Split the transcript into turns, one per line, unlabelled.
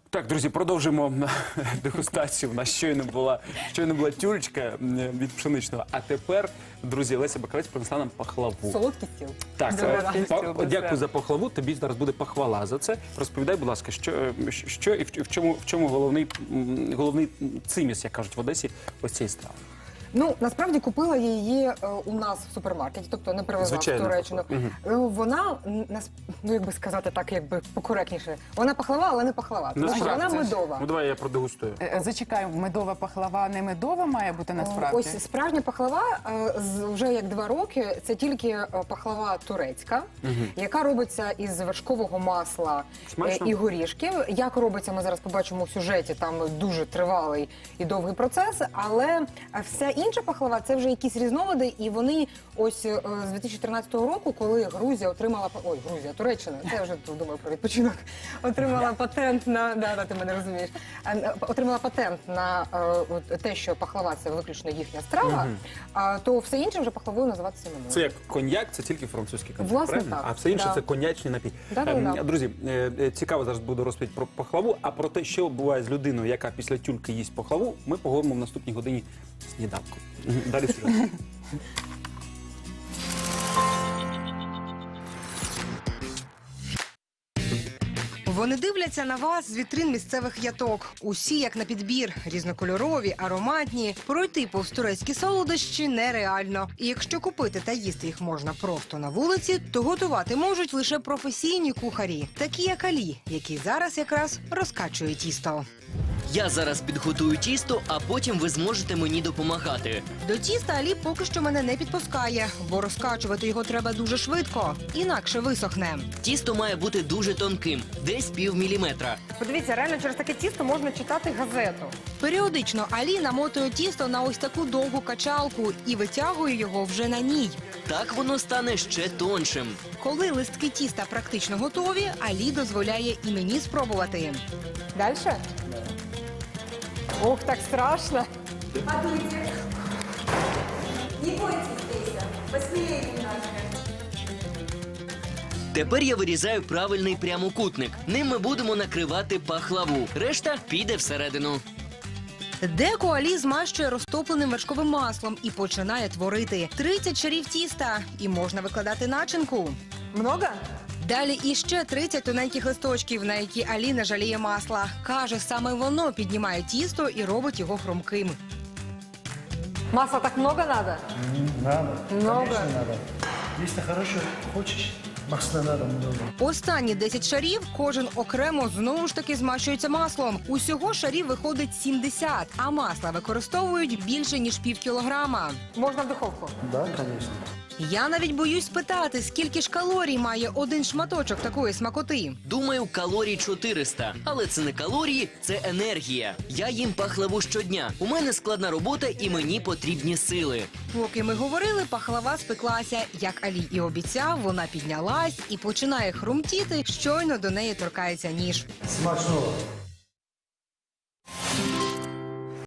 Так, друзі, продовжимо дегустацію. У нас щойно була тюлечка від пшеничного. А тепер, друзі, Леся Бакалець принесла нам пахлаву.
Солодкий стіл.
Так,
Добре.
дякую за пахлаву. Тобі зараз буде похвала за це. Розповідай, будь ласка, що і в чому головний циміс, як кажуть в Одесі, ось цієї страви.
Ну, насправді купила її у нас в супермаркеті, тобто не привезла в Туреччину. Вона, ну як би сказати так, якби покоректніше, вона пахлава, але не пахлава, тому що вона медова.
Ну, давай я продегустую.
Зачекай, медова пахлава не медова має бути насправді?
Ось справжня пахлава вже як 2 роки, це тільки пахлава турецька, яка робиться із вершкового масла і горішків. Як робиться, ми зараз побачимо в сюжеті, там дуже тривалий і довгий процес, але вся інша пахлава – це вже якісь різновиди, і вони ось з 2013 року, коли Грузія отримала, Туреччина, це вже думаю про відпочинок, отримала патент на, ти мене розумієш, отримала патент на те, що пахлава – це виключно їхня страва, то все інше вже пахлавою називатися не може.
Це як коньяк, це тільки французький коньяк,
Власне,
правильно?
так.
А все інше
Да.
це коньячний напій.
Да.
Друзі, цікаво зараз буде розповідь про пахлаву, а про те, що буває з людиною, яка після тюльки їсть пахлаву, ми поговоримо в наступній годині сніданку. Далі сюжет.
Вони дивляться на вас з вітрин місцевих яток. Усі як на підбір, різнокольорові, ароматні. Пройти повз турецькі солодощі нереально. І якщо купити та їсти їх можна просто на вулиці, то готувати можуть лише професійні кухарі, такі як Алі, який зараз якраз розкачує тісто.
Я зараз підготую тісто, а потім ви зможете мені допомагати.
До тіста Алі поки що мене не підпускає, бо розкачувати його треба дуже швидко, інакше висохне.
Тісто має бути дуже тонким, десь півміліметра.
Подивіться, реально через таке тісто можна читати газету.
Періодично Алі намотує тісто на ось таку довгу качалку і витягує його вже на ній.
Так воно стане ще тоншим.
Коли листки тіста практично готові, Алі дозволяє і мені спробувати.
Дальше? Ох, так страшно.
Тепер я вирізаю правильний прямокутник. Ним ми будемо накривати пахлаву. Решта піде всередину.
Деко Алі змащує розтопленим вершковим маслом і починає творити. 30 шарів тіста і можна викладати начинку.
Много?
Далі іще 30 тоненьких листочків, на які Алі не жаліє масла. Каже, саме воно піднімає тісто і робить його хрумким.
Масла так много надо?
Надо.
Много.
Конечно, надо. Если хорошо хочешь, масла надо много.
Останні 10 шарів кожен окремо знову ж таки змащується маслом. Усього шарів виходить 70, а масла використовують більше, ніж півкілограма.
Можна в духовку?
Да, конечно.
Я навіть боюсь питати, скільки ж калорій має один шматочок такої смакоти.
Думаю, калорій 400. Але це не калорії, це енергія. Я їм пахлаву щодня. У мене складна робота і мені потрібні сили.
Поки ми говорили, пахлава спеклася. Як Алі і обіцяв, вона піднялась і починає хрумтіти, щойно до неї торкається ніж.
Смачного.